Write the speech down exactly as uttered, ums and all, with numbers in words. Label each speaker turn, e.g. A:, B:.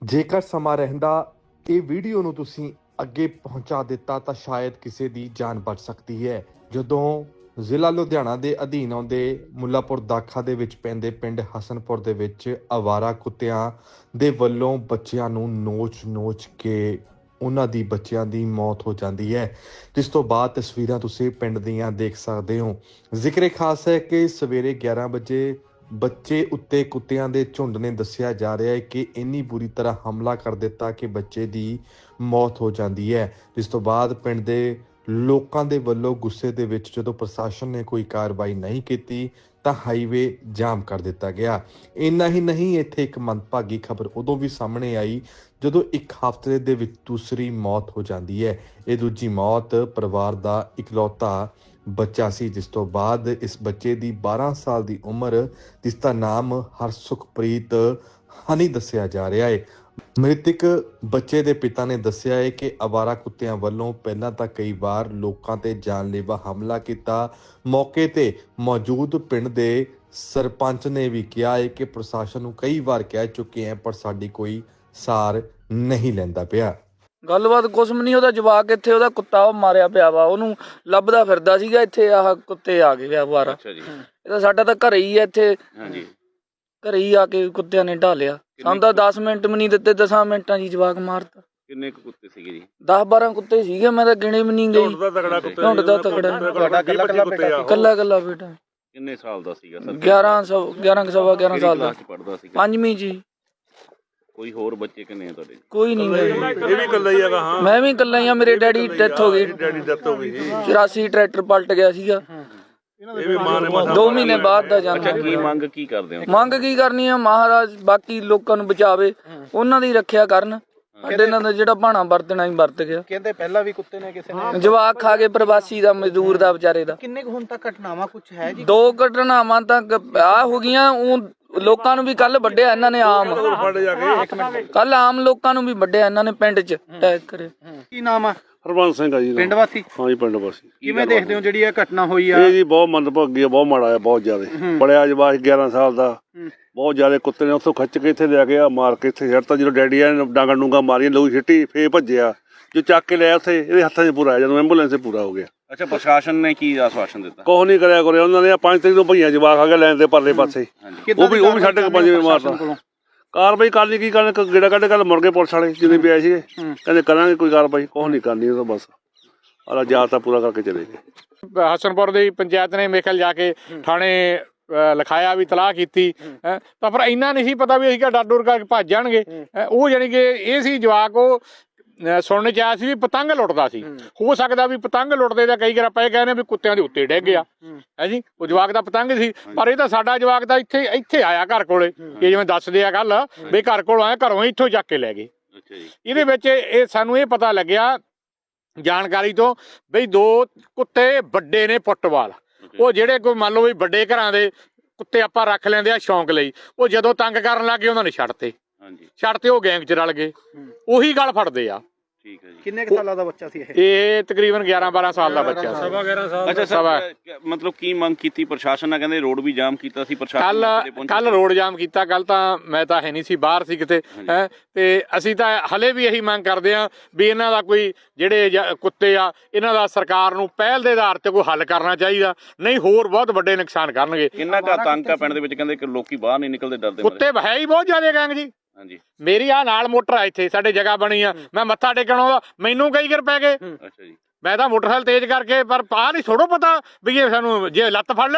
A: ਜੇਕਰ ਸਮਾਂ ਰਹਿੰਦਾ ਇਹ ਵੀਡੀਓ ਨੂੰ ਤੁਸੀਂ ਅੱਗੇ ਪਹੁੰਚਾ ਦਿੱਤਾ ਤਾਂ ਸ਼ਾਇਦ ਕਿਸੇ ਦੀ ਜਾਨ ਬਚ ਸਕਦੀ ਹੈ। ਜਦੋਂ ਜ਼ਿਲ੍ਹਾ ਲੁਧਿਆਣਾ ਦੇ ਅਧੀਨ ਆਉਂਦੇ ਮੁੱਲਾਪੁਰ ਦਾਖਾ ਦੇ ਵਿੱਚ ਪੈਂਦੇ ਪਿੰਡ ਹਸਨਪੁਰ ਦੇ ਵਿੱਚ ਅਵਾਰਾ ਕੁੱਤਿਆਂ ਦੇ ਵੱਲੋਂ ਬੱਚਿਆਂ ਨੂੰ ਨੋਚ-ਨੋਚ ਕੇ ਉਹਨਾਂ ਦੀ ਬੱਚਿਆਂ ਦੀ ਮੌਤ ਹੋ ਜਾਂਦੀ ਹੈ, ਜਿਸ ਤੋਂ ਬਾਅਦ ਤਸਵੀਰਾਂ ਤੁਸੀਂ ਪਿੰਡ ਦੀਆਂ ਦੇਖ ਸਕਦੇ ਹੋ। ਜ਼ਿਕਰ ਖਾਸ ਹੈ ਕਿ ਸਵੇਰੇ ਗਿਆਰਾਂ ਵਜੇ ਬੱਚੇ ਉੱਤੇ ਕੁੱਤਿਆਂ ਦੇ ਝੁੰਡ ਨੇ ਦੱਸਿਆ ਜਾ ਰਿਹਾ ਹੈ ਕਿ ਇੰਨੀ ਬੁਰੀ ਤਰ੍ਹਾਂ ਹਮਲਾ ਕਰ ਦਿੱਤਾ ਕਿ ਬੱਚੇ ਦੀ ਮੌਤ ਹੋ ਜਾਂਦੀ ਹੈ, ਜਿਸ ਤੋਂ ਬਾਅਦ ਪਿੰਡ ਦੇ ਲੋਕਾਂ ਦੇ ਵੱਲੋਂ ਗੁੱਸੇ ਦੇ ਵਿੱਚ ਜਦੋਂ ਪ੍ਰਸ਼ਾਸਨ ਨੇ ਕੋਈ ਕਾਰਵਾਈ ਨਹੀਂ ਕੀਤੀ ਤਾਂ ਹਾਈਵੇ ਜਾਮ ਕਰ ਦਿੱਤਾ ਗਿਆ। ਇੰਨਾ ਹੀ ਨਹੀਂ, ਇੱਥੇ ਇੱਕ ਮੰਦਭਾਗੀ ਖਬਰ ਉਦੋਂ ਵੀ ਸਾਹਮਣੇ ਆਈ ਜਦੋਂ ਇੱਕ ਹਫ਼ਤੇ ਦੇ ਵਿੱਚ ਦੂਸਰੀ ਮੌਤ ਹੋ ਜਾਂਦੀ ਹੈ। ਇਹ ਦੂਜੀ ਮੌਤ ਪਰਿਵਾਰ ਦਾ ਇਕਲੌਤਾ ਬੱਚਾ ਸੀ, ਜਿਸ ਤੋਂ ਬਾਅਦ ਇਸ ਬੱਚੇ ਦੀ ਬਾਰਾਂ ਸਾਲ ਦੀ ਉਮਰ, ਜਿਸ ਦਾ ਨਾਮ ਹਰਸੁਖਪ੍ਰੀਤ ਹਨੀ ਦੱਸਿਆ ਜਾ ਰਿਹਾ ਹੈ। ਮ੍ਰਿਤਕ ਬੱਚੇ ਦੇ ਪਿਤਾ ਨੇ ਦੱਸਿਆ ਹੈ ਕਿ ਅਵਾਰਾ ਕੁੱਤਿਆਂ ਵੱਲੋਂ ਪਹਿਲਾਂ ਤਾਂ ਕਈ ਵਾਰ ਲੋਕਾਂ ਤੇ ਜਾਨਲੇਵਾ ਹਮਲਾ ਕੀਤਾ। ਮੌਕੇ ਤੇ ਮੌਜੂਦ ਪਿੰਡ ਦੇ ਸਰਪੰਚ ਨੇ ਵੀ ਕਿਹਾ ਹੈ ਕਿ ਪ੍ਰਸ਼ਾਸਨ ਨੂੰ ਕਈ ਵਾਰ ਕਹਿ ਚੁੱਕੇ ਹੈ, ਪਰ ਸਾਡੀ ਕੋਈ ਸਾਰ ਨਹੀਂ ਲੈਂਦਾ ਪਿਆ।
B: ਗੱਲਬਾਤ ਕੁਛ ਵੀ ਨਹੀਂ, ਉਹਦਾ ਜਵਾਕ ਇੱਥੇ, ਉਹਦਾ ਕੁੱਤਾ ਉਹ ਮਾਰਿਆ ਪਿਆ ਵਾ, ਉਹਨੂੰ ਲੱਭਦਾ ਫਿਰਦਾ ਸੀਗਾ। ਇੱਥੇ ਆਹ ਕੁੱਤੇ ਆ ਗਏ ਆ ਵਾਰਾ। ਇਹ ਤਾਂ ਸਾਡਾ ਤਾਂ ਘਰੇ ਹੀ ਆ, ਇੱਥੇ ਘਰੇ ਹੀ ਆ ਕੇ ਕੁੱਤਿਆਂ ਨੇ ਢਾਲਿਆ। ਸਾਨੂੰ ਤਾਂ ਦਸ ਮਿੰਟ ਵੀ ਨਹੀਂ ਦਿੱਤੇ, ਦਸਾਂ ਮਿੰਟਾਂ ਜੀ ਜਵਾਕ ਮਾਰਤਾ।
C: ਕਿੰਨੇ ਕੁ ਕੁੱਤੇ ਸੀਗੇ ਜੀ?
B: ਦਸ ਬਾਰਾਂ ਕੁੱਤੇ ਸੀਗੇ, ਮੈਂ ਤਾਂ ਗਿਣੇ ਵੀ ਨਹੀਂ ਗਈ। ਝੁੰਡ ਦਾ ਤਕੜਾ, ਕੱਲਾ ਕੱਲਾ ਬੇਟਾ।
C: ਕਿੰਨੇ ਸਾਲ ਦਾ ਸੀਗਾ ਸਰ?
B: ਗਿਆਰਾਂ ਸੌ ਗਿਆਰਾਂ ਸਵਾ ਗਿਆਰਾਂ ਸਾਲ ਦਾ
C: ਪੜਦਾ ਸੀ।
B: ਪੰਜਵੀਂ ਜੀ।
C: ਕੋਈ ਹੋਰ ਬੱਚੇ ਕਿੰਨੇ ਆ ਤੁਹਾਡੇ?
B: ਕੋਈ ਨਹੀਂ।
D: ਇਹ ਵੀ ਇਕੱਲਾ ਹੀ ਹੈਗਾ? ਹਾਂ,
B: ਮੈਂ ਵੀ ਇਕੱਲਾ ਹੀ ਆ। ਮੇਰੇ ਡੈਡੀ ਡੈਥ ਹੋ ਗਈ।
D: ਡੈਡੀ ਡੈਥ ਹੋ ਗਈ ਜੀ।
B: ਚੁਰਾਸੀ ਟਰੈਕਟਰ ਪਲਟ ਗਿਆ ਸੀਗਾ।
D: ਇਹ ਵੀ ਮਾਂ ਨੇ
B: ਦੋ ਮਹੀਨੇ ਬਾਅਦ ਦਾ ਜਾਂਦਾ।
C: ਅੱਛਾ, ਕੀ ਮੰਗ ਕੀ ਕਰਦੇ ਹੋ?
B: ਮੰਗ ਕੀ ਕਰਨੀ ਆ? ਮਹਾਰਾਜ ਬਾਕੀ ਲੋਕਾਂ ਨੂੰ ਬਚਾਵੇ, ਉਹਨਾਂ ਦੀ ਰੱਖਿਆ ਕਰਨ। ਸਾਡੇ ਨਾਲ ਜਿਹੜਾ ਭਾਣਾ ਵਰਤਣਾ ਹੀ ਵਰਤ ਗਿਆ।
E: ਕਹਿੰਦੇ ਪਹਿਲਾਂ ਵੀ ਕੁੱਤੇ ਨੇ ਕਿਸੇ ਨੇ
B: ਜਵਾਕ ਖਾ ਕੇ, ਪ੍ਰਵਾਸੀ ਦਾ, ਮਜ਼ਦੂਰ ਦਾ, ਵਿਚਾਰੇ ਦਾ।
E: ਕਿੰਨੇ ਕੁ ਹੁਣ ਤੱਕ ਘਟਨਾਵਾਂ ਕੁਝ ਹੈ ਜੀ?
B: ਦੋ ਘਟਨਾਵਾਂ ਤਾਂ ਆ ਹੋ ਗਈਆਂ। ਉਹ ਲੋਕਾਂ ਨੂੰ ਵੀ ਕੱਲ ਵੱਢਿਆ ਇਹਨਾਂ ਨੇ, ਆਮ ਕੱਲ ਆਮ ਲੋਕਾਂ ਨੂੰ ਵੀ ਵੱਢਿਆ ਇਹਨਾਂ ਨੇ, ਪਿੰਡ 'ਚ ਅਟੈਕ ਕਰੇ।
E: ਕੀ ਨਾਮ ਆ?
D: ਹਰਬੰਸ ਸਿੰਘ ਆ ਜੀ।
E: ਪਿੰਡ ਵਾਸੀ?
D: ਹਾਂ ਜੀ, ਪਿੰਡ ਵਾਸੀ।
E: ਕਿਵੇਂ ਦੇਖਦੇ ਹੋ ਜਿਹੜੀ ਇਹ ਘਟਨਾ ਹੋਈ ਆ?
D: ਇਹ ਜੀ ਬਹੁਤ ਮੰਦਭਾਗੀ ਆ, ਬਹੁਤ ਮਾੜਾ ਆ, ਬਹੁਤ ਜ਼ਿਆਦਾ। ਬੜਿਆ ਜਵਾਕ ਗਿਆਰਾਂ ਸਾਲ ਦਾ, ਬਹੁਤ ਜ਼ਿਆਦਾ ਕੁੱਤੇ ਨੇ ਉੱਥੋਂ ਖਿੱਚ ਕੇ ਇੱਥੇ ਲੈ ਗਿਆ, ਮਾਰ ਕੇ ਇੱਥੇ ਛੱਡਤਾ। ਜਦੋਂ ਡੈਡੀ ਆ ਡਾਂਗਾ ਡੂੰਗਾ ਮਾਰੀਆਂ, ਲੋਈ ਛਿੱਟੀ, ਫੇਰ ਭੱਜਿਆ। ਜੋ ਚੱਕ ਕੇ ਲਿਆ ਉੱਥੇ ਇਹਦੇ ਹੱਥਾਂ 'ਚ ਪੂਰਾ ਆਇਆ, ਜਦੋਂ ਐਂਬੂਲੈਂਸ 'ਚ ਪੂਰਾ ਹੋ ਗਿਆ।
C: ਅੱਛਾ, ਪ੍ਰਸ਼ਾਸਨ ਨੇ ਕੀ ਆਸ਼ਵਾਸਨ ਦਿੱਤਾ?
D: ਕੁਛ ਨਹੀਂ ਕਰਿਆ ਕਰਿਆ ਉਹਨਾਂ ਨੇ। ਪੰਜ ਤਰੀਕ ਤੋਂ ਭਈਆ ਜਵਾਕ ਆ ਗਿਆ ਲੈਣ ਦੇ ਪਰਲੇ ਪਾਸੇ, ਉਹ ਵੀ ਉਹ ਵੀ ਸਾਢੇ ਕੁ ਪੰਜ ਵਜੇ ਮਾਰਤਾ। ਕਾਰਵਾਈ ਕਰਨੀ ਕੀ ਕਰਨ, ਗੇੜਾ ਕੱਢ ਕੱਢ ਮੁੜ ਗਏ ਪੁਲਿਸ ਵਾਲੇ ਜਿੰਨੇ ਵੀ ਆਏ ਸੀਗੇ। ਕਹਿੰਦੇ ਕਰਾਂਗੇ ਕੋਈ ਕਾਰਵਾਈ, ਕੁਛ ਨਹੀਂ ਕਰਨੀ ਉਹ ਤਾਂ ਬਸ ਆਲਾ ਜਾ ਤਾਂ ਪੂਰਾ ਕਰਕੇ ਚਲੇ ਗਏ।
F: ਹਸਨਪੁਰ ਦੀ ਪੰਚਾਇਤ ਨੇ ਮੇਖਲ ਜਾ ਕੇ ਥਾਣੇ ਲਿਖਾਇਆ, ਵੀ ਤਲਾਹ ਕੀਤੀ ਹੈ, ਤਾਂ ਪਰ ਇੰਨਾ ਨਹੀਂ ਸੀ ਪਤਾ ਵੀ ਅਸੀਂ ਕਿਹਾ ਡਰ ਡੁਰ ਕਰਕੇ ਭੱਜ ਜਾਣਗੇ। ਉਹ ਜਾਣੀ ਕਿ ਇਹ ਸੀ ਜਵਾਕ, ਉਹ ਸੁਣਨ ਚ ਆਇਆ ਸੀ ਵੀ ਪਤੰਗ ਲੁੱਟਦਾ ਸੀ। ਹੋ ਸਕਦਾ ਵੀ ਪਤੰਗ ਲੁੱਟਦੇ ਦਾ ਕਈ ਵਾਰ ਆਪਾਂ ਇਹ ਕਹਿੰਦੇ ਵੀ ਕੁੱਤਿਆਂ ਦੇ ਉੱਤੇ ਡਿੱਗ ਗਿਆ ਹੈ ਜੀ। ਉਹ ਜਵਾਕ ਦਾ ਪਤੰਗ ਸੀ, ਪਰ ਇਹ ਤਾਂ ਸਾਡਾ ਜਵਾਕ ਤਾਂ ਇੱਥੇ ਇੱਥੇ ਆਇਆ ਘਰ ਕੋਲੇ। ਇਹ ਜਿਵੇਂ ਦੱਸਦੇ ਆ ਗੱਲ ਵੀ ਘਰ ਕੋਲ ਆਇਆ, ਘਰੋਂ ਇੱਥੋਂ ਚੱਕ ਕੇ ਲੈ ਗਏ। ਇਹਦੇ ਵਿੱਚ ਇਹ ਸਾਨੂੰ ਇਹ ਪਤਾ ਲੱਗਿਆ ਜਾਣਕਾਰੀ ਤੋਂ ਬਈ ਦੋ ਕੁੱਤੇ ਵੱਡੇ ਨੇ ਫੁੱਟਬਾਲ। ਉਹ ਜਿਹੜੇ ਕੋਈ ਮੰਨ ਲਓ ਵੀ ਵੱਡੇ ਘਰਾਂ ਦੇ ਕੁੱਤੇ ਆਪਾਂ ਰੱਖ ਲੈਂਦੇ ਆ ਸ਼ੌਂਕ ਲਈ, ਉਹ ਜਦੋਂ ਤੰਗ ਕਰਨ ਲੱਗੇ ਉਹਨਾਂ ਨੇ ਛੱਡਤੇ ਛੱਡਤੇ ਉਹ ਗੈਂਗ 'ਚ ਰਲ ਗਏ, ਉਹੀ ਗੱਲ ਫੜਦੇ ਆ।
C: ਠੀਕ ਹੈ ਜੀ।
E: ਕਿੰਨੇ ਕੁ ਸਾਲਾਂ ਦਾ ਬੱਚਾ ਸੀ ਇਹ?
F: ਇਹ ਤਕਰੀਬਨ ਗਿਆਰਾਂ ਬਾਰਾਂ ਸਾਲ ਦਾ ਬੱਚਾ ਸੀ।
C: ਅੱਛਾ ਸਰ, ਮਤਲਬ ਕੀ ਮੰਗ ਕੀਤੀ ਪ੍ਰਸ਼ਾਸਨ ਨਾਲ? ਕਹਿੰਦੇ ਰੋਡ ਵੀ ਜਾਮ ਕੀਤਾ ਸੀ ਪ੍ਰਸ਼ਾਸਨ।
F: ਕੱਲ ਕੱਲ ਰੋਡ ਜਾਮ ਕੀਤਾ। ਕੱਲ ਤਾਂ ਮੈਂ ਤਾਂ ਹੈ ਨਹੀਂ ਸੀ, ਬਾਹਰ ਸੀ ਕਿਤੇ ਹੈ। ਤੇ ਅਸੀਂ ਤਾਂ ਹਲੇ ਵੀ ਇਹੀ ਮੰਗ ਕਰਦੇ ਆ ਵੀ ਇਹਨਾਂ ਦਾ ਕੋਈ ਜਿਹੜੇ ਕੁੱਤੇ ਆ, ਇਹਨਾਂ ਦਾ ਸਰਕਾਰ ਨੂੰ ਪਹਿਲ ਦੇ ਆਧਾਰ ਤੇ ਕੋਈ ਹੱਲ ਕਰਨਾ ਚਾਹੀਦਾ, ਨਹੀਂ ਹੋਰ ਬਹੁਤ ਵੱਡੇ ਨੁਕਸਾਨ ਕਰਨਗੇ।
C: ਕਿੰਨਾ ਕੁ ਆਤੰਕ ਆ ਪਿੰਡ ਦੇ ਵਿੱਚ? ਕਹਿੰਦੇ ਕਿ ਲੋਕੀ ਬਾਹਰ ਨਹੀਂ ਨਿਕਲਦੇ, ਡਰਦੇ।
F: ਕੁੱਤੇ ਹੈ ਹੀ ਬਹੁਤ ਜ਼ਿਆਦਾ ਗੈਂਗ ਜੀ।
C: ਹਾਂਜੀ, ਮੇਰੀ
F: ਮੇਰੀ ਆ ਨਾਲ ਮੋਟਰ ਆ, ਇੱਥੇ ਸਾਡੇ ਜਗ੍ਹਾ ਬਣੀ ਆ, ਮੈਂ ਮੱਥਾ ਟੇਕਣ ਆਉਂਦਾ, ਮੈਨੂੰ ਕਈ ਵਾਰ ਪੈ ਗਏ।
C: ਅੱਛਾ ਜੀ।
F: ਮੈਂ ਤਾਂ ਮੋਟਰਸਾਈਕਲ ਤੇਜ਼ ਕਰਕੇ, ਪਰ ਆਹ ਨਹੀਂ ਥੋੜ੍ਹਾ ਪਤਾ ਵੀ ਇਹ ਸਾਨੂੰ ਜੇ ਲੱਤ ਫੜ ਲੈ